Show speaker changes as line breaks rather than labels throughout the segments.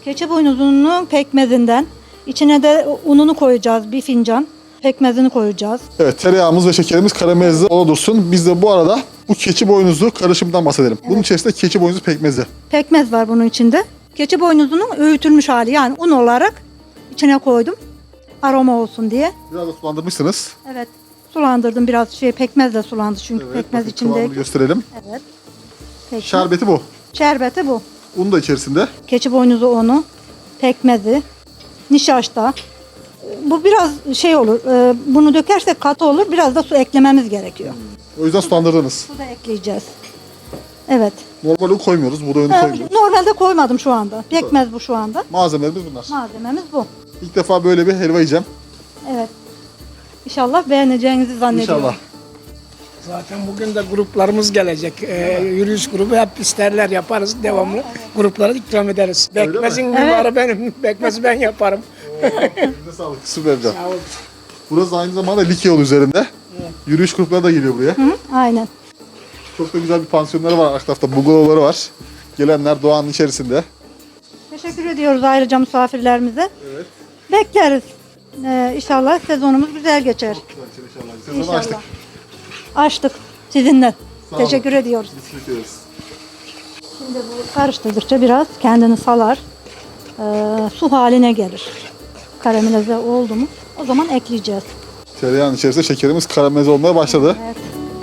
Keçi boynuzunun pekmezinden. İçine de ununu koyacağız, bir fincan. Pekmezini koyacağız.
Evet, tereyağımız ve şekerimiz karamelizli olursun. Biz de bu arada bu keçi boynuzlu karışımdan bahsedelim. Bunun içerisinde keçi boynuzu pekmezi.
Pekmez var bunun içinde. Keçi boynuzunun öğütülmüş hali, yani un olarak içine koydum. Aroma olsun diye.
Biraz da sulandırmışsınız.
Evet. Sulandırdım biraz, pekmezle sulandı çünkü
Evet,
pekmez
bakın
içinde.
kıvamını gösterelim.
Evet. Pekmez.
Şerbeti bu.
Şerbeti bu.
Un da içerisinde.
Keçi boynuzu unu, pekmezi, nişasta. Bu biraz olur. Bunu dökersek katı olur. Biraz da su eklememiz gerekiyor.
O yüzden sulandırdınız.
Su da ekleyeceğiz. Evet.
Normal un koymuyoruz. Buğday unu koymuyoruz.
Normalde koymadım şu anda. Pekmez bu şu anda.
Malzemelerimiz bunlar.
Malzememiz bu.
İlk defa böyle bir helva yiyeceğim.
Evet. İnşallah beğeneceğinizi zannediyorum.
İnşallah.
Zaten bugün de gruplarımız gelecek. Yürüyüş grubu hep isterler yaparız devamlı. Gruplara ikram ederiz.
Öyle mi?
Bekmezin mimarı benim. Bekmezi ben yaparım.
Elinize sağlık. Süper hocam.
Sağ olun.
Burası aynı zamanda Likya yolu üzerinde. Yürüyüş grupları da geliyor buraya.
Hı, aynen.
Çok da güzel bir pansiyonları var. Arka tarafta bungalovları var. Gelenler doğanın içerisinde.
Teşekkür ediyoruz ayrıca misafirlerimize.
Evet.
Bekleriz. İnşallah sezonumuz güzel geçer.
İnşallah. Sezonu
İnşallah.
açtık.
Açtık sizinle.
Sağ olun.
Teşekkür ediyoruz.
Biz bekliyoruz.
Şimdi bu karıştırdıkça biraz kendini salar. Su haline gelir. Karamelize oldu mu o zaman ekleyeceğiz.
Tereyağın içerisinde şekerimiz karamelize olmaya başladı.
Evet.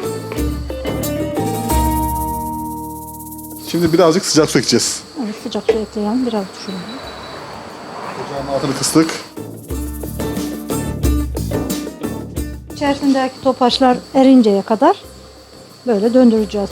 Şimdi birazcık sıcak su ekleyeceğiz.
Evet, sıcak su ekleyelim. Biraz düşürün.
Ocağın altını kıstık.
İçerisindeki topaçlar erinceye kadar böyle döndüreceğiz.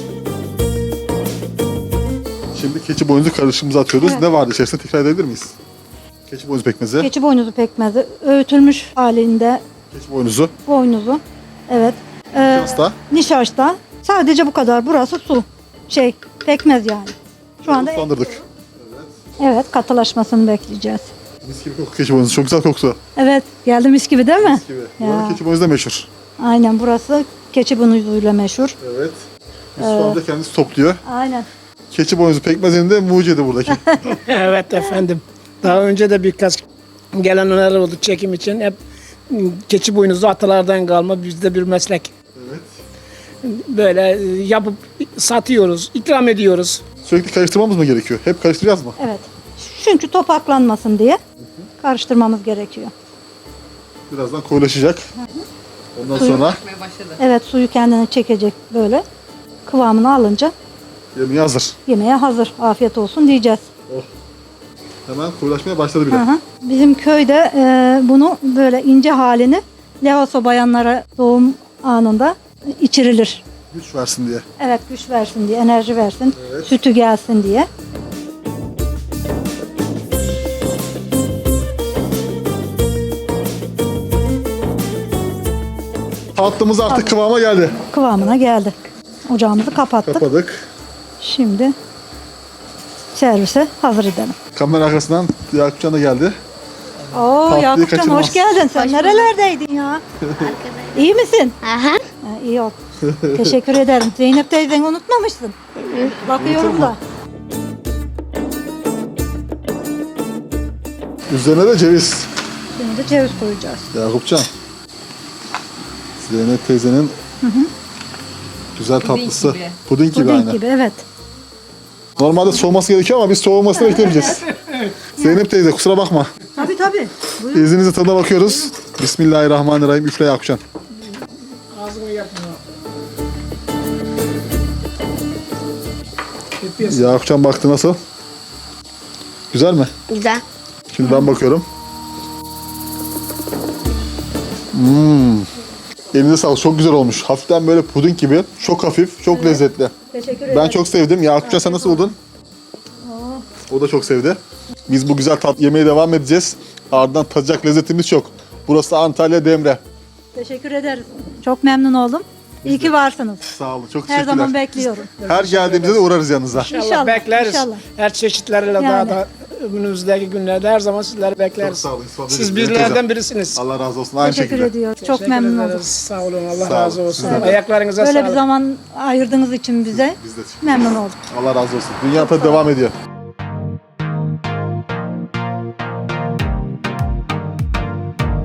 Şimdi keçi boynuzu karışımımızı atıyoruz.
Evet.
Ne vardı içerisinde tekrar edebilir miyiz? Keçi boynuzu pekmezi.
Keçi boynuzu pekmezi, öğütülmüş halinde
Keçi boynuzu.
boynuzu. Evet.
Nişasta.
Nişasta. Sadece bu kadar. Burası su. Pekmez yani. Şu anda
Sulandırdık.
evet, katılaşmasını bekleyeceğiz.
Mis gibi koku keçi boynuzu. Çok güzel kokusu.
Evet, geldi mis gibi değil mi?
Mis gibi. Buranın keçi boynuzu da meşhur.
Aynen, burası keçi boynuzuyla meşhur.
Evet. Yusuf amca kendisi topluyor.
Aynen.
Keçi boynuzu pekmezinin de mucidi buradaki.
Evet efendim. Daha önce de birkaç gelenler oldu çekim için. Hep keçi boynuzu atalardan kalma bizde bir meslek.
Evet.
Böyle yapıp satıyoruz, ikram ediyoruz.
Sürekli karıştırmamız mı gerekiyor? Hep karıştıracağız mı?
Evet. Çünkü topaklanmasın diye karıştırmamız gerekiyor.
Birazdan koyulaşacak. Ondan sonra
Evet, suyu kendine çekecek böyle. Kıvamını alınca
yemeği hazır.
yemeğe hazır. Afiyet olsun diyeceğiz.
Hemen koyulaşmaya başladı bile.
Hı hı. Bizim köyde bunu böyle ince halini Levaso bayanlara doğum anında içirilir.
Güç versin diye.
Evet, güç versin diye, enerji versin,
Evet.
sütü gelsin diye.
Tatlımız artık kıvama geldi.
Kıvamına geldi. Ocağımızı kapattık.
Kapadık.
Şimdi servise hazır edelim.
Kamera arkasından Yakupcan da geldi.
Oo,
Tatlıyı
Yakupcan
kaçırmaz.
hoş geldin. Sen nerelerdeydin ya? İyi misin?
Aha.
Ha, iyi ol. Teşekkür ederim. Zeynep teyzeni unutmamışsın. Bakıyorum da.
Üzerine de ceviz.
Şimdi de ceviz koyacağız.
Yakupcan. Zeynep teyzenin güzel tatlısı. Puding gibi
Puding
aynı.
gibi, evet.
Normalde soğuması gerekiyor ama biz soğumasını beklemeyeceğiz. Zeynep teyze kusura bakma.
Tabii tabii. Buyurun.
İzninizle tadına bakıyoruz. Bismillahirrahmanirrahim. Üfle Yakupcan.
Ağzını yapmıyor.
Yakupcan baktı nasıl? Güzel mi?
Güzel.
Şimdi ben bakıyorum. Elinize sağlık. Çok güzel olmuş. Hafiften böyle puding gibi. Çok hafif, çok lezzetli.
Teşekkür ederim.
Ben çok sevdim. Yakupcan sen nasıl buldun? O da çok sevdi. Biz bu güzel tat yemeye devam edeceğiz. Ardından tadacak lezzetimiz çok. Burası Antalya Demre.
Teşekkür ederiz. Çok memnun oldum. İyi ki varsınız.
Sağ olun. Çok
Her
teşekkürler.
zaman bekliyorum.
Her geldiğimizde de uğrarız yanınıza.
İnşallah bekleriz.
inşallah.
Her çeşitleriyle daha
Yani.
da önümüzdeki günlerde her zaman sizleri bekleriz.
Çok sağ olun.
Siz bizlerden birisiniz.
Allah razı olsun. Aynı
Teşekkür
şekilde.
ediyoruz. Çok
Teşekkür
memnun
ederiz.
oldum.
Sağ olun. Allah
Sağ
razı
olun.
olsun.
Evet.
Ayaklarınıza
Böyle
sağlık.
bir zaman ayırdığınız için bize
Biz de.
memnun oldum.
Allah razı olsun. Dünya tadı devam ediyor.